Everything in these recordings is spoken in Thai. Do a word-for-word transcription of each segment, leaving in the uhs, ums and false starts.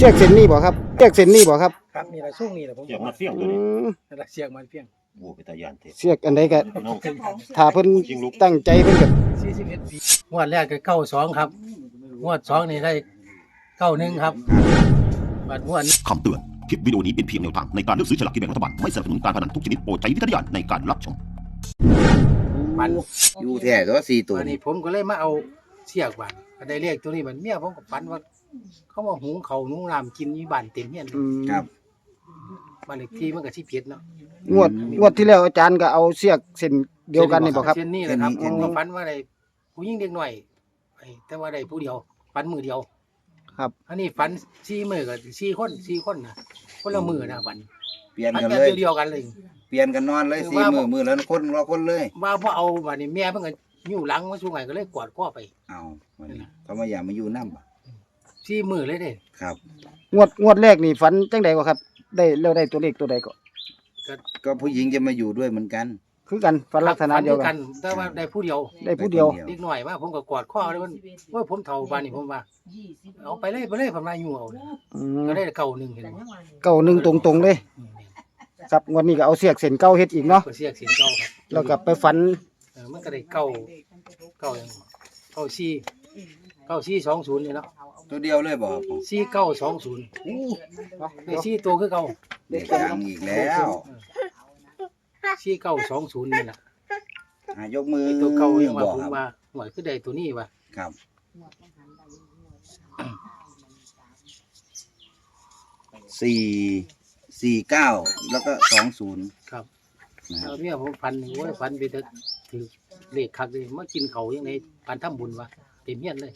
ชือกเส้นนี้บ่ครับเชือกเส้นนี้บ่ครับครับนี่ละช่วงนี้แหละผมเสียงมาเฟี้ยงอืตัวนี้มนั่นละเสียงมันเพียงวัวไปตายานเทเชือกอันใดก็น้องถ้าเพิ่นตั้งใจเพิ่นก็สี่สิบเอ็ดปีงวดแรกก็เก้าสองครับงวดสองนี่ได้เก้าหนึ่งครับบัดงวดนี้คำเตือน คลิปวิดีโอนี้เป็นเพียงแนวทางในการเลือกซื้อฉลากกินแบ่งรัฐบาล ไม่สนับสนุนการพนันทุกชนิดโปรดใช้วิจารณญาณในการรับชมมันอยู่แท้ตัวสี่ตัววันนี้ผมก็เลยมาเอาเสียกบันก็ได้เลขตัวนี้บันเมียผมก็ฝันว่า เขามาหุงเขาวนุ่งน้ำกินอยู่บ้านเต็มเฮียนอืมครับบ้านเลขที่มันก็สิผิดเนาะงวดงวดที่แล้วอาจารย์ก็เอาเชือกเส้นเดียวกันนี่บ่ครับเช่นนี้แหละครับเช่ผนมนี้ก็ฝันว่าได้ผู้หญิงเด็กหน่อยไอ้แต่ว่าได้ผู้เดียวฝันมือเดียวครับอันนี้ฝันสี่มือกับสี่คนสี่คนนะคนละมือนะฝันเปลี่ยนฝันกันแบบเลยเดียวกันเลยเปลี่ยนกันนอนเลยคือสี่ว่ามือมือแล้วคนละคนเลยว่าพอเอาบัดนี้แม่เพิ่นก็อยู่หลังมาช่วงไหนก็เลยกอดข้อไปเอาวันนี้เขามาอยากมาอยู่น้ำบ่สี่มือเลยเด้ครับงวดงวดแรกนี่ฝันจังได๋บ่ครับ ได้แล้วได้ตัวเลขตัวใดก็ก็ผู้หญิงจะมาอยู่ด้วยเหมือนกันคือกันฝันลักษณะเดียวกันแต่ว่าได้ผู้เดียวได้ผู้เดียวเด็กหน่อยมาผมก็กอดข้อเลยมันว่าผมเฒ่าบ้านนี่ผมว่าเอาไปเลยไปเลยผมว่าอยู่เอาเลยอืมก็ได้เก่าหนึ่งเห็นบ่เก้าหนึ่งตรงๆเลยอืมครับงวดนี้ก็เอาเชือกเส้นเก่าเฮ็ดอีกเนาะก็เสียกเสียงเก่าครับแล้วก็ไปฝันเออมันก็ได้เก่าเก่าอย่างเก่าสี่เก่าสี่สองศูนย์นี่เนาะตัวเดียวเลยบ่ครับผมสี่เก้าสองศูนย์ในสี่ตัวคือเก่าเด็กดังอีกแล้วสี่เก้าสองศูนย์นี่แหละอ่ะยกมือไอ้ตัวเก่ายังว่าบ่ผมครับว่าหวยคือได้ตัวนี้ว่ะครับสี่สี่เก้าแล้วก็สองศูนย์ครับนะครัแล้บวเนี่ยผมฟันโอ้ยฟันไปแต่ถือเลขคักเลยมากินเขาวยังไงฟันทำบุญวะเต็มเฮียนเลย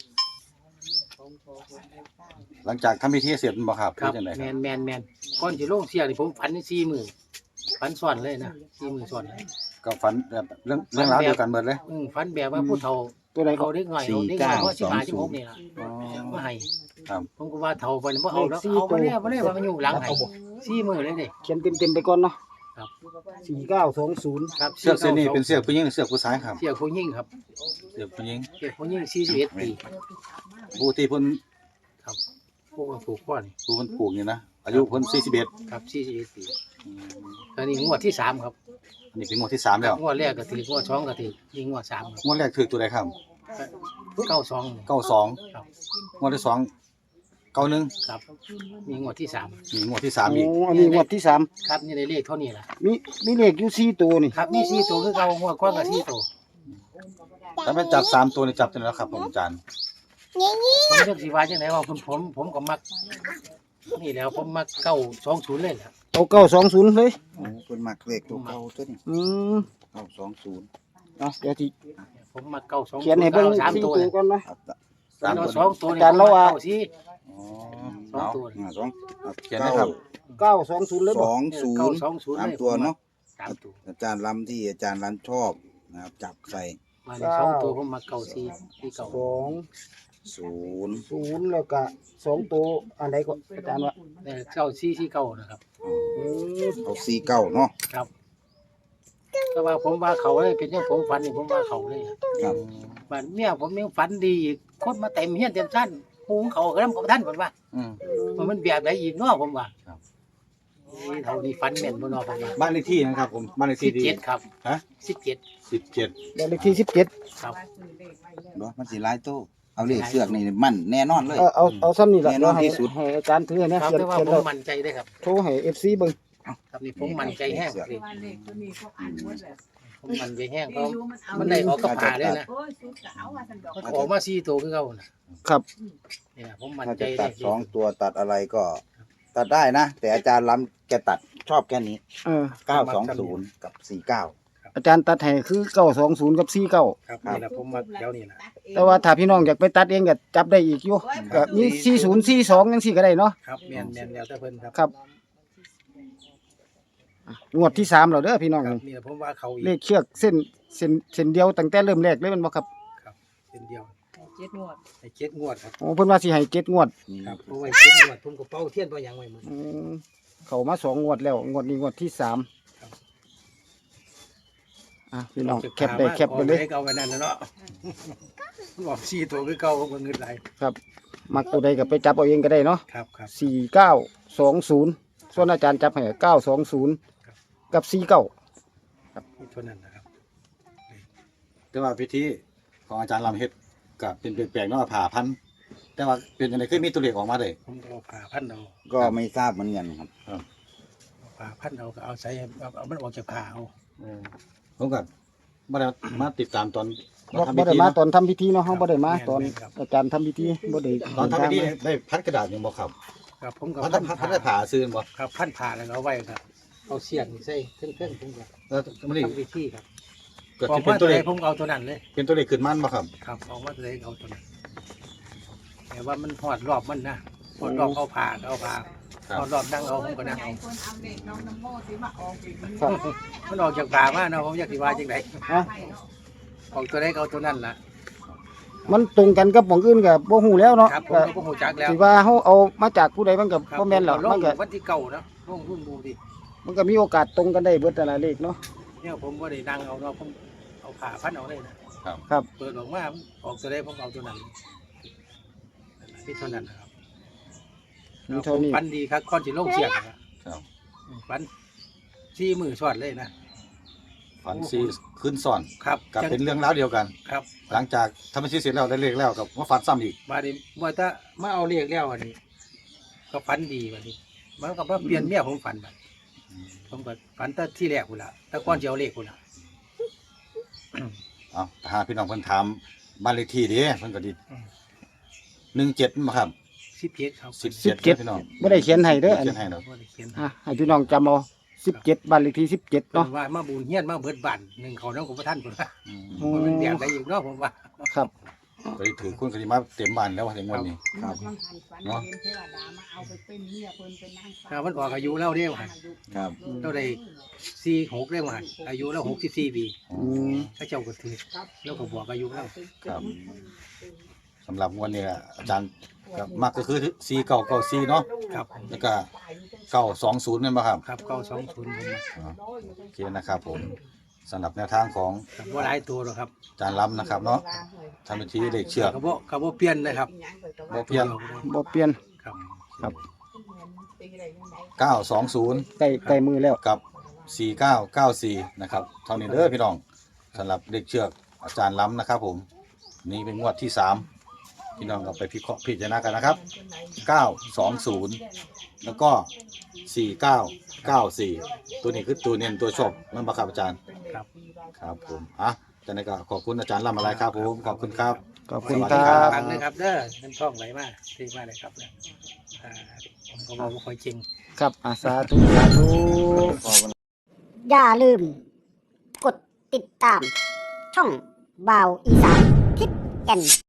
หลังจากทำพิธีเสร็จบ่ครับครับจังได๋แมครับนแมนแมนก่อนจะลงเสียนี่ผมฟันในสี่มือฟันซ้อนเลยนะสี่มือซ้อนเลยก็ฝันแบบเรื่องเรื่องราวเดียวกันเบิดเลยอืมฟันแบบว่าผู้เฒ่าตัวใดก็เขาเด็กหน่อยเอาเด็กหน่อยเพราะสิบห้าสิบหกนี่ล่ะอ๋อมาให้ครับผมก็ว่าเฒ่าไปบ่เอาแล้วเอาไปเลยเอาไปเลยว่ามันอยู่หลังให้สี่มือเลยเด้เขียนเต็มๆไปก่อนเนาะครับสี่เก้าสองศูนย์ครับเสือกเส้นนี้เป็นเสือกผู้หญิงหรือเสือกผู้ชายครับเสียผู้หญิงครับเสือกผู้หญิงเสียผู้หญิงสี่สิบเอ็ดปีผู้ที่เพิ่นครับพวกมันผูกข้อนี่ผู้เพิ่นปลูกนี่นะอายุเพิ่นสี่สิบเอ็ดครับสี่สิบเอ็ดปีตอนนี้งวดที่สามครับอันนี้เป็นงวดที่สามแล้วงวดแรกก็ถืองวดสองก็ถือยิงงวดสามครับงวดแรกถือตัวใดครับเก้าสองเก้าสองครับงวดที่สองเก้าหนึ่งครับมีงวดที่สามนี่งวดที่สามโอ้อีกอันนี้งวดที่สามครับนี่ได้เลขเท่านี้ล่ะมีมีเลขอยู่สี่ตัวนี่ครับนี่สี่ตัวคือเก่างวดก้อนกับสี่ตัวถ้าเป็นจับสามตัวนี่จับตัวไหนแล้วครับผมอาจารย์ผมเลือกสีว่าจังไหนว่าผมผมผมก็มักนี่แหล้วผมมักเก้าสองศูนย์เลยแหละเอาเก้าสองศูนย์เลยโอ้คนมักเลขตัวเก่าตัวนี้อืมเก้าสองศูนย์เอาเดี๋ยวที่ผมมักเก้าสองเขียนให้เบิ่งสามสี่ตัวตัวเลยก่อนนะครับสามเอาตัวสองตัวอาจารย์เราว่าเก้สี่อ๋อสองเอาตัวอ่าสองเขียนให้ครับเก้าสองศูนย์เลยสบ่องศูนเก้าย์สองศูนย์สามเลยตัวเนาะสามตัวอาจารย์ล้ำที่อาจารย์ล้ำชอบนะครับจับใส่มาในสองตัวผมมักเก้าสี่ที่เก้าสองศูนย์ศูนย์แล้วก็สองตัวอันใดก็อาจารย์ว่าแต่เก้าสี่ที่เก้านะครับอืมเอาสี่เก้าเนาะครับแต่ว่าผมว่าเขาเลยเป็นอย่างผมฝันนี่ผมว่าเขาเลยครับบ้านเมียผมยังฝันดีอีกคนมาเต็มเฮียนเต็มชั้นหุงเขากระทำกับท่านผมว่าอืมว่ามันแบบไหนอีกเนาะผมว่าครับนี่เท่านี้ฝันแม่นบ่เนาะผมว่าบ้านเลขที่นะครับผมบ้านเลขสิที่บดีเจ็ดครับฮะสิบเจ็ดสิบเจ็ดบ้านเลขที่สิบเจ็ดครับเนาะมันสิหลายตู้เอาเลขเสือกนี่มั่นแน่นอนเลยเออเอาเอาซ้ำนี่ละแน่นอนให้ที่สุดให้อาจารย์ถือให้นะครับ เขียนแต่ว่าเขียนผแล้มวมั่นใจได้ครับโทรให้ เอฟ ซี เบิ่งครับนี่ผมมั่นใจแห้งเลยว่าเลขตัวนี้เขาอ่านหมดแล้วผมมั่นใจแห้งเพอาราะยุมันเอามันได้ออกกับผ่าเลยนะโอ้ยสุดจะเอาว่าสันดอกมันออกมาสี่ตัวคือเก่าน่ะครับเนี่ยผมมั่นถ้าใจจะได้ตัดสองตัวตัดอะไรก็ ตัดได้นะ แต่อาจารย์ล้ำแกตัดชอบแค่นี้เออเก้าสองศูนย์กับสี่เก้าอาจารย์ตัดให้คือเก้าสองศูนย์กับสี่เก้าครับนี่แหละผมมาแถวนี้นะแต่ว่าถ้าพี่น้องอยากไปตัดเองก็จับได้อีกอยู่ก็มีสี่ศูนย์สี่สองจังซี่ก็ได้เนาะครับแม่นแม่นแล้วแต่เพิ่นครับครับอ่ะงวดที่สามแล้วเด้อพี่น้องครับนี่แหละผมว่าเขาอีกเลขเชือกเส้นเส้นเส้นเดียวตั้งแต่เริ่มแรกเลยแมันบ่ครับครับเป็นเดียวเจ็ดงวดให้เจ็ดงวดครับโอ้เพิ่นว่าสิให้เจ็ดงวดครับเพราะว่าเจ็ดงวดผมก็เป้าเทียนเป้าหยังไว้หมดอืมเข้ามาสองงวดแล้วงวดนี้งวดที่สามครับอ่ะพี่น้องแคปได้แคปไปเลยอาไว้เก่าไปนั่นนะเนาะบอกสี่ตัวคือเก่าผมก็เงินไหลครับมักตัวใดก็ไปจับเอาเองก็ได้เนาะครับครับสี่เก้าสองศูนย์ส่วนอาจารย์จับให้เก้าสองศูนย์กับสี่เก้านี่เท่านั้นนะครับแต่ว่าพิธีของอาจารย์ลำเฮ็ดก็เป็นเปลี่ยนแปลงเนาะผ่าพันธุ์แต่ว่าเป็นยังไงคือมีตัวเลขออกมาเลยผมก็เอาผ่าพันเอาก็ไม่ทราบเหมือนกันครับเอาผ่าพันเอาก็เอาใส่เอาเอามันออกจากผ่าเอาผมก็บ่ได้มาติดตามตอนบ่ทำบ่พิได้ธีมาเนาะตอนทำพิธีเนาะเฮาบ่ได้มาตอนอาจารย์ทำพิธีบ่ได้ตอนทำพิธีได้พัดกระดาษยังบ่ครับครับผมก็พัดพันพัดผ่าได้ผ่าซื้อบ่ครับพันผ่าแล้วก็เอาไว้ครับเอาเสียนใส่เครื่องเครื่องผมก็แล้วมันนี่ทำพิธีครับเกิดออกสิเป็มาน ตัตัว วไหเลนขผมเอาตัวนั้นเลยเป็นตัวเลขขึ้นมันบ่ครับครับออกมาตัวไหนเอาตัวนั้นแต่ว่ามันหอดรอบมันนะหอดรอบเอาผ่าก็เอาผ่าครับหอดรอบนั่งเอาผมก็นั่งเอาคนเอาเด็กน้องน้ำโมสิมาออกอีกมันครับมันออกจากผ่ามาเนาะผมอยากสิว่าจังไดอ่ะออกตัวไหนก็เอาตัวนั้นล่ะมันตรงกันกับหม่องอื่นก็บ่ฮู้แล้วเนาะครับผมก็ก็บ่ฮู้จักแล้วสิว่าเฮาเอามาจากผู้ใดมันก็ครับบ่แม่นหรอกลมังนก็วันที่เก่าเนาะลงรุ่นดูดิมันก็มีโอกาสตรงกันได้เบิดแต่ละเลขเนาะเนี่ยผมบ่ได้นั่งเอาเนาะผมเอาผ่าพันเอาเลยนะครับครับเปิดออกมาออกตัวไหนผมเอาตัวนั้นนี่เท่านั้นนะครับมีเท่านี้ฟันดีครับก้อนสิลงเสียงนะครับครับฟันซี่มือสอดเลยนะฝันซีขึ้นซ้อนครับกับจังเป็นเรื่องราวเดียวกันครับหลังจากทำพิธีเสร็จแล้วได้เลขแล้วกับว่าฝันซ้ำอีกมาดิว่าถ้ามาเอาเรียกแล้วอันนี้ ก็ฝันดีวันนี้มันก็มาเปลี่ยนเมียผมฝันบัดผมก็ฝันแต่ที่แรกพุ่นละแต่ก้อนจะเอาเลขพุ่นละเอาหาพี่น้องเพิ่นถามบ้านเลขที่เด้เพิ่นก็ดีหนึ่งเจ็ดมาครับสิบเจ็ดครับสิบสิเจ็บดเจ็ดพี่น้องบ่ได้เขียนให้เด้ออันเขียนี้นให้เนาะบ่ได้เขียนอ่ะให้พี่น้องจำเอาสิบเจ็ดบ้านเลขที่สิบเจ็ดเนาะเนาะว่ามาบูนเฮียนมาเบิดบ้านหนึ่งเขาน้องของพระท่านพุ่นละอืมอืมันเป็นมแบบใดอยู่เนาะผมว่าครับก็ได้ถือคุณกติมาเต็มบ้านแล้วถึงวันนี้ครับมันหันฝันเนาะเห็นเทวดามาเอาไปเป็นเมียเพิ่นเป็นนางฟ้าถ้ามันออกอายุแล้วเด้ว่าครับเราได้สี่หกได้ว่าอายุแล้วหกสิบสี่ปีอืมถ้าเจ้าก็ถือแล้วก็บอกอายุแล้วครับสำหรับวันนี้อาจารย์ก็มักก็คือสี่เก้าเก้าสี่เนาะครับแล้วก็เก้าสองศูนย์นั่นป่ะครับครับเก้าสองศูนย์ผมมาอ๋อโอเคนะครับผมสำหรับแนวทางของครับว่าหลายตัวหรอกครับอาจารย์ล้ำนะครับเนาะทำพิธีเลขเชือกกระโบกระโบเปลี่ยนเลยครับบ่เปลี่ยนบ่เปลี่ยนครับครับเก้าสองศูนย์ใกล้ใกล้มือแล้วกับสี่เก้าเก้าสี่นะครับเท่านี้เด้อพี่น้องสำหรับเลขเชือกอาจารย์ล้ำนะครับผมนี่เป็นงวดที่สามพี่น้องก็ไปพิเคราะห์พิจารณากันนะครับเก้าสองศูนย์แล้วก็สี่เก้าเก้าสี่ตัวนี้คือตัวเน้นตัวชอบมันบังคับอาจารย์ครับครับผมอ่ะจากนั้นก็ขอบคุณอาจารย์ล้ำอะไรครับผมขอบคุณครับขอบคุณสวัสคดีรัครับบฟังเลยครับเด้อน้ำท่องไหลมาที่มาเลยครับเนี่ยอ่าผมก็บอกว่าคอยจริงครับอาสาธุสาธุอย่าลืม กดติดตาม ช่องบ่าวอีสานทิศแก่น